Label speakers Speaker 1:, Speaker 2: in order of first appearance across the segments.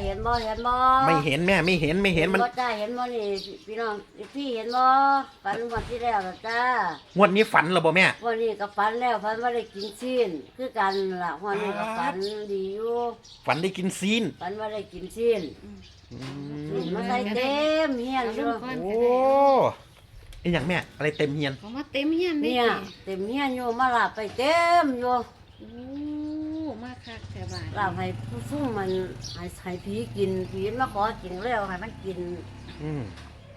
Speaker 1: เห็นบ่
Speaker 2: ไม่เห็นแม่ไม่เห็นมัน
Speaker 1: บ่จ้าเห็นบ่นี่พี่น้องพี่เห็นบ่ฝันวันที่แล้วล่ะจ้าง
Speaker 2: วดนี้ฝันเหรอบ่แม่
Speaker 1: วันนี้ก็ฝันแล้วฝันว่าได้กินซีนคือกันล่ะวันนี้ก็ฝันดีอยู่
Speaker 2: ฝันได้กินซีน
Speaker 1: ฝันว่าได้กินซีนมาใส่เต็มเฮียนอยู่
Speaker 2: โอ้ไอ้อย่างแม่อะไรเต็มเฮียน
Speaker 3: เขามาเต็มเฮียนได้
Speaker 1: เนี่ย
Speaker 3: สิ
Speaker 1: เต็มเฮียนอยู่มาลาบไปเต็มอยู่
Speaker 3: โอ้มาคักแต่บาด
Speaker 1: ลาบให้ผู้ซุ่มมันให้ผีกินผีมาขอกินแล้วให้มันกิน
Speaker 2: อืม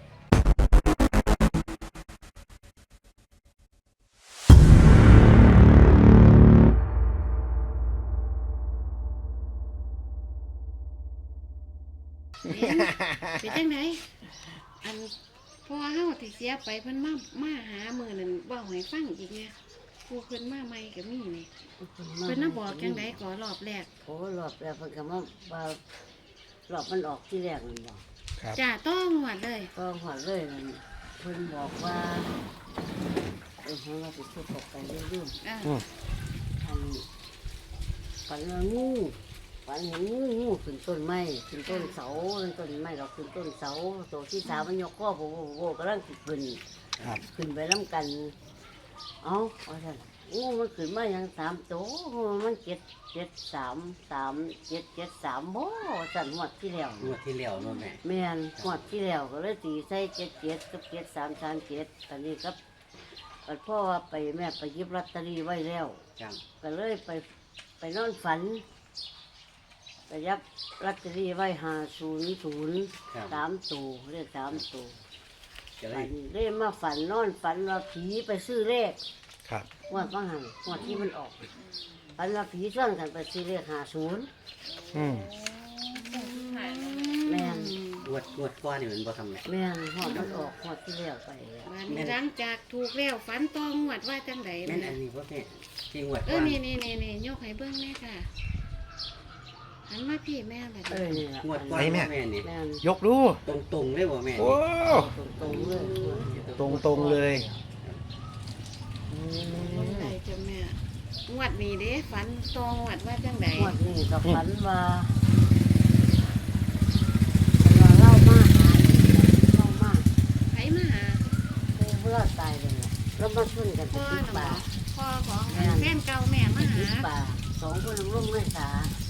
Speaker 3: เป็นจังไดอันพ่อเฮาที่เสียไปเพิ่นมาหามื้อนั้นเว้าให้ฟังอีกเนี่ยผู้เพิ่นมาใหม่ก็มีนี่เพิ่นน่ะบอกจังไดก่อรอบแรก
Speaker 1: โอ้รอบแล้วเพิ่นก็มาว่ารอบมันออกที่แรกมันบอก
Speaker 2: ครับ
Speaker 3: จ้าต้องหวดเลย
Speaker 1: ก็หอดเลยมันเพิ่นบอกว่าของเราไปพูดตกไปเรื่อย
Speaker 3: อ่า
Speaker 2: อืม
Speaker 1: ๆอันฝันว่างูฝันเห็นงูขึ้นต้นไม้ขึ้นต้นเสาต้นไม้เราขึ้นต้นเสาตัวที่สามมันยกข้อโบกำลังขึ้น
Speaker 2: ครับ
Speaker 1: ขึ้นไปน้ำกันเอาท่านงูมันขึ้นมาอย่าง3 ตัวมัน7 3 3 7 7 3บ่สั่นหมดที่แล้ว
Speaker 4: งวดที่แล้วเนาะแม่
Speaker 1: แม่นหมดที่แล้วก็เลยตีใส่7 7กับ7 3 3 7ตอนนี้ก็พ่อว่าไปแม่ไปหยิบลอตเตอรี่ไว้แล้ว
Speaker 4: จัง
Speaker 1: ก็เลยไปนอนฝันไปยับลอตเตอรี่ไว้500 3 ตัวเลข3 ตัว
Speaker 4: จะ
Speaker 1: อั
Speaker 4: ได้
Speaker 1: นนี้เลยมาฝันนอนฝันว่าผีไปซื้อเลข
Speaker 2: ครับ
Speaker 1: งวดบ้างหันงวดที่มันออกฝันว่าผีส่วนกันไปซื้อเลข50
Speaker 2: อืม
Speaker 1: แม่น
Speaker 4: งวดก้อนนี่มันบ่ทำแม่
Speaker 1: แม่นงวดมันออกงวดที่แล้วไป
Speaker 3: วันนี้หลังจากถูกแล้วฝันต้องหวดว่าจังได
Speaker 4: แม่
Speaker 3: แม่
Speaker 4: นอันนี้บ่แม่ที่งวด
Speaker 3: เอ
Speaker 4: ก้อ
Speaker 3: อน นี่ยกให้เบิ่งแม่ค่ะหันมาพี่แม่แบบ
Speaker 1: นี่ล่ะ
Speaker 4: งวดก้อนบ่แม่นี่
Speaker 1: แม่น
Speaker 2: ยกดู
Speaker 4: ตรงๆเลยบ่แม่
Speaker 2: โอ้
Speaker 4: นี่
Speaker 1: ตรงๆเลย
Speaker 2: ตรงเลยอื
Speaker 3: ไหน
Speaker 2: ม
Speaker 3: จ้ะแม่งวดนี้เด้ฝันตองหวดว่าจังได
Speaker 1: งวดนี้ก็ฝันว่าเล่ามากเล่ามาก
Speaker 3: ไผมาหา
Speaker 1: เพื่อตายเลยแล้วมาช่วยกัน
Speaker 3: พ่อ
Speaker 1: ติด
Speaker 3: น่ะบ
Speaker 1: ป่า
Speaker 3: อกพ่อของแฟนเก่าแม่มา
Speaker 1: ติ
Speaker 3: หา
Speaker 1: ดป่า2 คนร่มไม่สา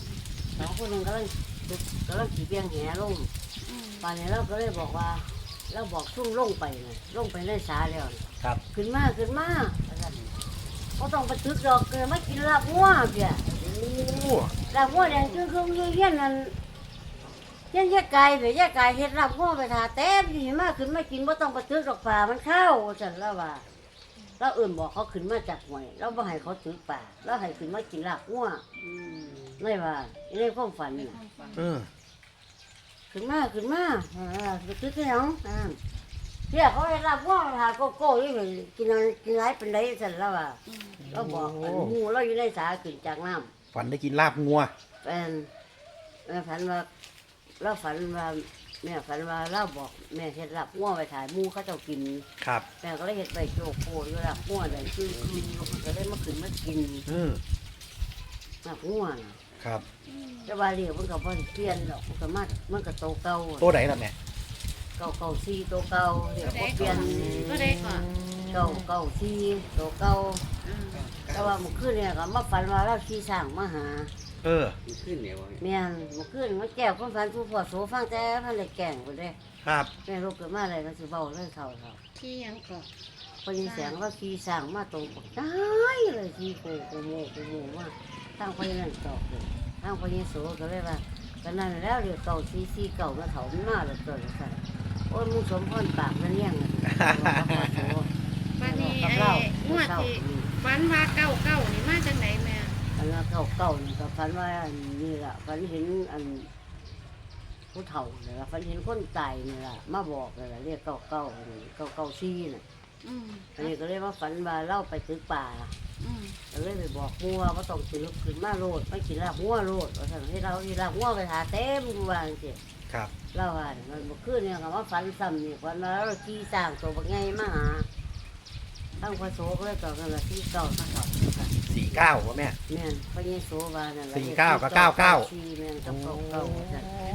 Speaker 1: 2 คนกำลังขี่เบียงแหลง
Speaker 3: อืม
Speaker 1: ป่านนี้เราก็เลยบอกว่าเราบอกซุ่มลงไปเลยลงไปในสาแล้วน่ะ
Speaker 2: ครับ
Speaker 1: ขึ้นมาก็ต้องไปตึกดอกเกิดมากินลาบงัวเปีย
Speaker 2: โอ้
Speaker 1: ลาบงัวแดงคือเฮี้ยนนั่นเฮี้ยนแยกไก่ไปแยกไก่เฮ็ดลาบงัวไปทาเต็มที่มาขึ้นมากินบ่ต้องไปตึกดอกป่ามันเข้าจันแล้วว่าเราเอื่นบอกเขาขึ้นมาจากหวยเราบ่ให้เขาตึกป่าเราให้ขึ้นมากินลาบงัวไม่ว่าในความฝันน่ะ
Speaker 2: เออ
Speaker 1: ขึ้นมาไปตึกแล้วเที่ยเขาให้ลาบงัวทาโกโก้ยี่ไปกินไรเป็นไรจันแล้วว่า เราบอกอันงูเราอยู่ในสาขึ้นจากน้
Speaker 2: ฝันได้กินลาบงัว
Speaker 1: ำเป็นแม่ฝันว่าเราฝันว่าแม่ฝันว่าเราบอกแม่เห็ดลับงัวไปถ่ายหมูเขาเจ้ากิน
Speaker 2: ครับ
Speaker 1: แม่ก็เลยเห็ดใบโจโกอยู่ลับงัวเลยคือก็เลยมาขึ้นมากิน
Speaker 2: เออ
Speaker 1: ลับงัวน่ะ
Speaker 2: ครับ
Speaker 1: แต่ว่าเรียกมันก็บ่ได้เปลี่ยนหรอกมันก็โตเก่า
Speaker 2: ตัวไหนล่ะแม่
Speaker 1: เก่าซีโตเก่าเรียกบ่เปลี่ยน
Speaker 3: ก็ได้ก่อน
Speaker 1: เก่าซีโตเก่า
Speaker 3: อืม
Speaker 1: แต่ว่าเมื่อคืนเนี่ยก็มาฝันว่าเราขี่ช้างมาหา
Speaker 2: เออ
Speaker 4: มันขึ้นเนี่ยบ่แม่
Speaker 1: แม่นเมื่อคืนมาแก้วความฝันผู้พ่อโสฟังแต่มันเลยแก่งไปเลย
Speaker 2: ครับ
Speaker 1: แม่ลูกเกิดมาอะไรก็สิเบาเลยเขา
Speaker 3: ที่ยังก่อน
Speaker 1: พอยินเสียงว่าขี่สั่งมาตรงปกได้เลยขี่โกว่าตั้งพอยินนั่นตอกเลยตั้งพอยินโสก็เลยว่าก็นั่นแล้วเดี๋ยวเก่าซีเก่ามาเถามันมาแล้วตัวละกันโอ้ยมึงสมพรปากนั่นเนี่ยงเลย
Speaker 3: วันนี้ไอ้งวดที่ฝันว่าเก้านี่มาจากไหนแม่
Speaker 1: อันนั้นเก่านี่ก็ฝันว่าอันนี่แหละฝันเห็นอันผู้เฒ่าเลยฝันเห็นคนตายนี่แหละมาบอกเลยเรียกเก่าซีน่ะ
Speaker 3: อืม
Speaker 1: อันนี้ก็เลยว่าฝันว่าเล่าไปตึกป่า
Speaker 3: อืม
Speaker 1: ก็เลยไปบอกมัวว่าต้องตึกขึ้นมาโลดไม่กินลาบมัวโลดว่าสั่งให้เราที่ลาบมัวไปหาเต็มกูวาจังสิ
Speaker 2: ครับ
Speaker 1: เล่าว่าเนี่ยมันบ่ขึ้นเนี่ยคำว่าฝันซ้ำนี่ฝันว่าเราขี่สร้างตัวบักไงมาหาตั้งพระโสก็เลยต่อกันละที่เก่ามาต่อกัน
Speaker 2: 49วะแม่
Speaker 1: แม่นพระเยซูว่านั่นแหละ
Speaker 2: 49กับ99
Speaker 1: สี่แม่นกับเก่าว่าซั่น
Speaker 3: อันนี้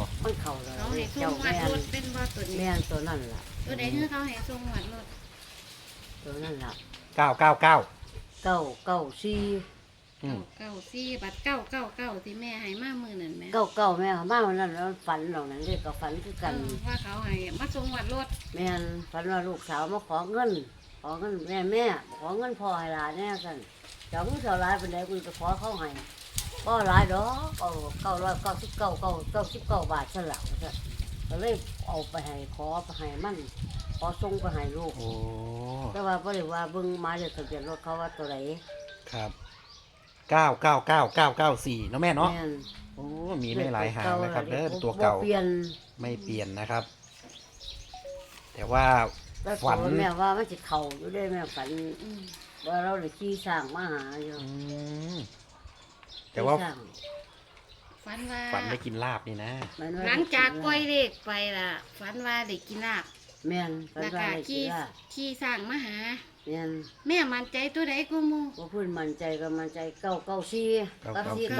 Speaker 1: มันเข่าเลย
Speaker 3: เขาให้ส่
Speaker 1: เจ้าง
Speaker 3: วัด
Speaker 1: แม่
Speaker 3: ร
Speaker 1: น
Speaker 3: ถเป็นบ่ตัวนี้
Speaker 1: แม่นตัวนั่นล่ะ
Speaker 3: ตัวใดที่เขาให้ส่งวัดรถ
Speaker 1: ตัวนั่นล่ะ
Speaker 2: 999
Speaker 1: เก้าเก้าสี่
Speaker 2: อืม
Speaker 3: เก้าสี่บัตร999ที่แม่ให้มามื้อนั้นแหม
Speaker 1: เก้าแม่เขามาวันนั้นแล้วฝันเหล่านั้นเรียกก็ฝันคือกัน
Speaker 3: ว่าเขาให้มาส่งวัดรถ
Speaker 1: แม่นฝันว่าลูกสาวมาขอเงินแม่ขอเงินพ่อให้หลานแน่กันเจ้ามึงเท่าไรเป็นไรกูจะขอเขาให้ก็หลายดอก999 บาทสลับก็เลยเอาไปให้ขอไปให้มันขอส่งไปให้ลูก
Speaker 2: โอ้
Speaker 1: แต่ว่าบ่ได้ว่าเบิ่งหมายเลขทะเบียนรถเขาว่าตัวไหน
Speaker 2: ครับ999994เนาะแม่เนาะ
Speaker 1: แม่น
Speaker 2: โอ้มีไม่หลายหางนะครับเด้อตัวเก่า
Speaker 1: บ่เปลี่ยน
Speaker 2: ไม่เปลี่ยนนะครับ แต่ว่า
Speaker 1: แล้ว
Speaker 2: ฝัน
Speaker 1: ตัวแม่ว่ามันสิเข้าอยู่ได้แม่ฝัน
Speaker 3: อืม
Speaker 1: ว่าเราได้ขี่สร้างมาหาอยู่
Speaker 2: อืมแต่ว่า
Speaker 1: ขี่สร้ง
Speaker 3: ฝันว่า
Speaker 2: ฝันได้กินลาบนี่นะ
Speaker 1: แม่นว่
Speaker 3: หลังจากปล่อยเลขไปล่ะฝันว่าได้กินลาบ
Speaker 1: แม่นฝัน
Speaker 3: แล้ว
Speaker 1: ว่า
Speaker 3: ก็
Speaker 1: ได้กิ
Speaker 3: ขี่
Speaker 1: นลาบ
Speaker 3: ขี่สร้างมาหา
Speaker 1: แม่น
Speaker 3: แม่มั่นใจตัวใดกูมู
Speaker 1: บ่พูดมั่นใจก็มั่นใจ994กับ
Speaker 2: 994
Speaker 1: 4
Speaker 3: โอ้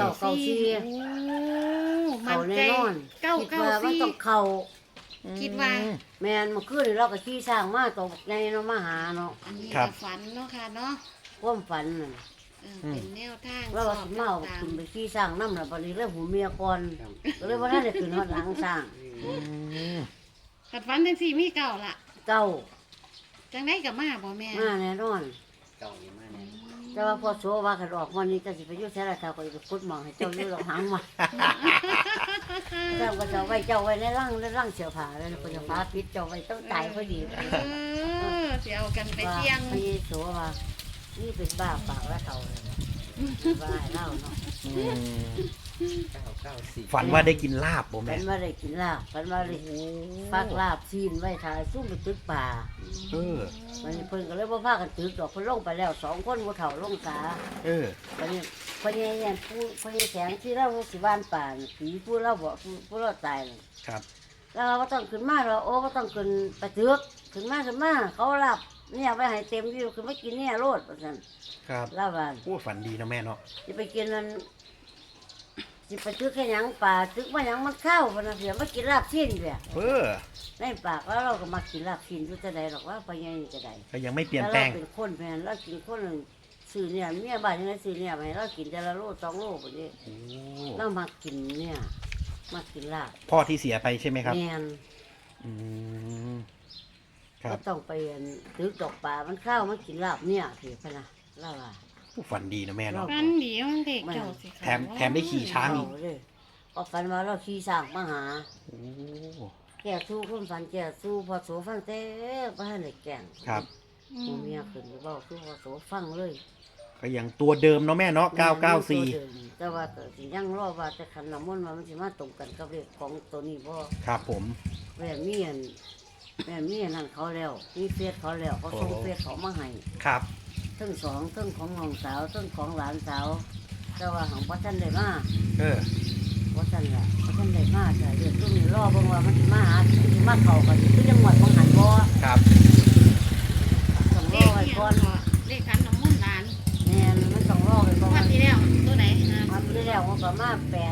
Speaker 1: 994
Speaker 3: มั่
Speaker 1: เข้าน
Speaker 3: ใจ
Speaker 1: แน่นอน
Speaker 3: เก้า
Speaker 1: คิด
Speaker 3: เก้า
Speaker 1: ว่ามัน
Speaker 3: สี่
Speaker 1: ต้องเข้า
Speaker 3: คิดว่า
Speaker 1: แม่นเมื่อคืนนี่เราก็ขี่สร้างมาตกในเนาะมาหาเนาะ
Speaker 3: อันนี้
Speaker 2: ครับ
Speaker 3: ก็ฝันเนาะค่ะเนาะ
Speaker 1: ความฝันน่ะ
Speaker 3: เป็นแนวทาง
Speaker 1: เราก็สิมาเอา
Speaker 3: ต่าง
Speaker 1: ขึ้นไปขี่สร้างนำล่ะบัดนี้เลยหูเมียก่อน
Speaker 4: ครับ
Speaker 1: ก็เลยบ่ทันได้ขึ้นฮอดหลังสร้าง
Speaker 2: อืม
Speaker 3: ๆกัดฝันจังสี่มีเก่าล่ะ
Speaker 1: เก้า
Speaker 3: จังได้กับมาบ่แม่
Speaker 1: มาแน่นอน
Speaker 4: เก่าอยู่มาเนี่ย
Speaker 1: แต่ว่าพอโซว่ากันออกวันนี้ก็สิไปอยู่แท้ละเท่าก็สิไปกุดหมองให้เจ้าอยู่หลอกหางมาเจ้าก็จะไว้เจ้าไว้ในร่างเสื้อผ้าแล้วก็จะฟ้าปิดเจ้าไว้ต้องตายพอดี
Speaker 3: สิเอากันไปเที่ยง
Speaker 1: พี่โซว่านี่เป็นบ้าปากและเขาเลยว่าให้เล่าเนาะ
Speaker 2: อืม
Speaker 4: 994
Speaker 2: ฝันว่าได้กินลาบบ่
Speaker 1: ฝั
Speaker 2: แม่
Speaker 1: นว่าได้กินลาบฝันว่าได้ฟักลาบซีนไว้ถ่ายซุ่มไปตึกป่า
Speaker 2: เออ
Speaker 1: วันนี้เพิ่นก็เลยบ่พากันตึกดอกเพิ่นลงไปแล้ว2คนบ่เฒ่าลงกา
Speaker 2: เออ
Speaker 1: วันนี้พญายันผู้พญาแสงที่เราสิบ้านป่าน่ะผีผู้เราบอกผู้เราตายน่ะ
Speaker 2: ครับ
Speaker 1: แล้วเราก็ต้องขึ้นมาเราโอ้ก็ต้องขึ้นไปเถือกขึ้นมาเขาหลับเนี่ยไปให้เต็มที่คือไม่กินเนี่ยโลดเพราะฉะนั้น
Speaker 2: ครับ
Speaker 1: เล่าว่า
Speaker 2: โอ้ฝันดีนะแม่เนาะ
Speaker 1: จะไปกินนั้นจะไปตึกแค่หยังป่าตึกมาหยังมันเข้าเพราะนั้นเสียมากินลาบชิ้นเสีย
Speaker 2: เออ
Speaker 1: ในปากแล้วเราก็มากินลาบชิ้นอยู่จะใดหรอกว่าพญานี่จะใด
Speaker 2: ก็ยังไม่เปลี่ยน
Speaker 1: แล้ว
Speaker 2: แปล
Speaker 1: เรา
Speaker 2: ง
Speaker 1: เป็นคนแพนเรากินคนหนึ่งซื้อเนี่ยเมียบ้านยังไงซื้อเนี่ยไปเรากินแต่ละโล2 โลแบบนี้
Speaker 2: โอ้
Speaker 1: เรามากินเนี่ยมากินลาบ
Speaker 2: พ่อที่เสียไปใช่ไหมครับ
Speaker 1: แมน
Speaker 2: อืมครั
Speaker 1: ก็
Speaker 2: บ
Speaker 1: ต้องไปตึกดอกป่ามันเข้ามันกินลาบเนี่ยถือไปนะเล่าว่า
Speaker 2: ฝันดีนะแม่เนาะ
Speaker 3: ฝันดีมันเด็กเจ้าสิ
Speaker 2: แถมได้ขี่ช้าง อีก
Speaker 1: เเลยก็ฝันว่าเราขี่สร้างมาหา
Speaker 2: โอ้
Speaker 1: แก่สู้คนฝันแก่สู้พอโสฟังเต้บ้านในแก่ง
Speaker 2: ครับ
Speaker 1: หมู่เมียขึ้นไปเบ้าสู้พอโสฟังเลย
Speaker 2: ก็ยังตัวเดิมเนาะแม่เนาะ
Speaker 1: ตัว
Speaker 2: 994
Speaker 1: เดิมแต่ว่าก็สิยังรอว่าจะขันน้ำมนต์ว่ามันสิมาตรงกันกับเลขของตัวนี้บ่
Speaker 2: ครับผม
Speaker 1: แม่เมียนนั่นเขาแล้วมีเฟซเขาแล้วเขาส่ง
Speaker 2: โอ้
Speaker 1: เฟซเขามาให้
Speaker 2: ครับ
Speaker 1: ทั้งสองทั้งของน้องสาวทั้งของหลานสาวแต่ว่าของพ่อท่านได้มา
Speaker 2: เออ
Speaker 1: พ่อท่านล่ะพ่อท่านได้มาแต่เรื่องตรงนี้รอเบิ่งว่ามันสิมาหามันสิมาเข้ากันคือจังหวัดของหันบ่
Speaker 2: ครับ
Speaker 1: ต้องร
Speaker 3: เล
Speaker 1: อ
Speaker 3: ข
Speaker 1: ไว้
Speaker 3: เนี่ย
Speaker 1: ก่อน
Speaker 3: เลขขันน้ำมนต์หลาน
Speaker 1: แม่นมันต้องรอไว้ก่อ
Speaker 3: วัน
Speaker 1: น
Speaker 3: ที่แล้วตัวไหนนะ
Speaker 1: มันที่แล้วมันก็มา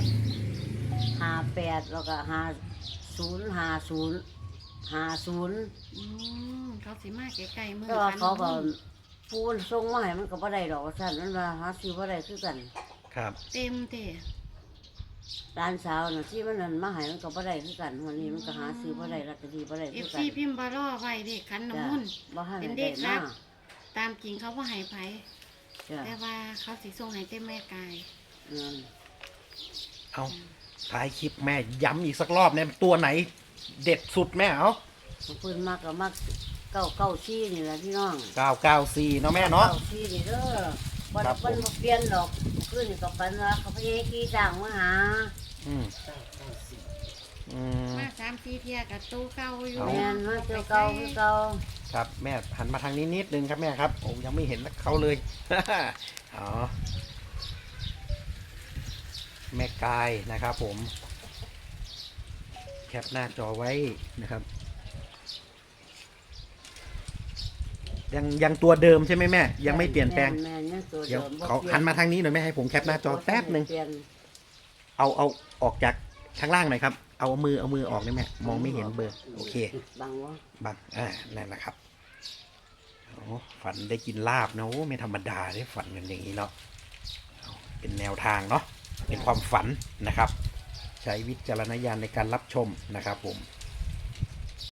Speaker 1: 58แล้วก็5050
Speaker 3: เขาสิมาใกล้ๆมือ
Speaker 1: แต่ว่า
Speaker 3: ขัน
Speaker 1: เขาก็
Speaker 3: น้ำมนต์
Speaker 1: ปูนส่งมาให้มันก็บ่ได้ดอกว่าซั่นมันว่าหาซื้อบ่ได้คือกัน
Speaker 2: ครับ
Speaker 3: เต็มเตะ
Speaker 1: ร้านสาวน่ะที่มันนั่นมาให้มันก็บ่ได้คือกันวันนี้มันก็หาซื้อบ่ได้ลอตเตอรี่บ่ได้
Speaker 3: เอ
Speaker 1: คือ
Speaker 3: ฟ
Speaker 1: กั
Speaker 3: ซี
Speaker 1: น
Speaker 3: พิมพ์บารอไว้เลขขันน้ำมนต์
Speaker 1: บ่ให้
Speaker 3: เป็น
Speaker 1: ได้
Speaker 3: เด็กครั
Speaker 1: มา
Speaker 3: บ ตามจริงเขาว่าให้ไผ
Speaker 1: จ้ะ
Speaker 3: แต่ว่าเขาสิส่งให้เต็มแม่กาย
Speaker 1: นั่น
Speaker 2: เอาท้ายคลิปแม่ย้ำอีกสักรอบเนี่ยตัวไหนเด็ดสุดแม่เอา
Speaker 1: เพิ่นมักก็มัก994นี่แหละพี่น้อง
Speaker 2: 994เนาะแม่เนาะ
Speaker 1: 994นี่เด้อบ่
Speaker 2: ครั
Speaker 1: ได้
Speaker 2: บ
Speaker 1: เพิ่นบ่เปลี่ยนดอกคือนี่ก็ปันว่าเขาพยายามขี่จ้างมาหา
Speaker 2: อืมอืม
Speaker 3: มา3-4เที่ยกับตู้เก่าอยู่
Speaker 2: เอา
Speaker 1: แม่นมาเจ้าเก่าคือเก่า
Speaker 2: ครับแม่หันมาทางนี้นิดนึงครับแม่ครับโอ้ยังไม่เห็นเขาเลย อ๋อแม่กายนะครับผม แคปหน้าจอไว้นะครับ ยังตัวเดิมใช่ไหมแม่ ยังไม่เปลี่ยนแปลง
Speaker 1: แม่นยังตัว
Speaker 2: เดี๋ยว
Speaker 1: ดิมบ่
Speaker 2: เขา
Speaker 1: ปลี่ย
Speaker 2: หันมาทางนี้หน่อยแม่ให้ผมแคปหน้าจอแป๊บหนึ่ง
Speaker 1: เปลี่ยน
Speaker 2: เอาออกจากข้างล่างหน่อยครับเอามือออกได้ไหมมองไม่เห็นเบอร์โอเค
Speaker 1: บังวะ
Speaker 2: บังนั่นนะครับโอ้ฝันได้กินลาบนะโอ้ไม่ธรรมดาได้ฝันกันอย่างนี้เนาะเอาเป็นแนวทางเนาะเป็นความฝันนะครับ ใช้วิจารณญาณในการรับชมนะครับผม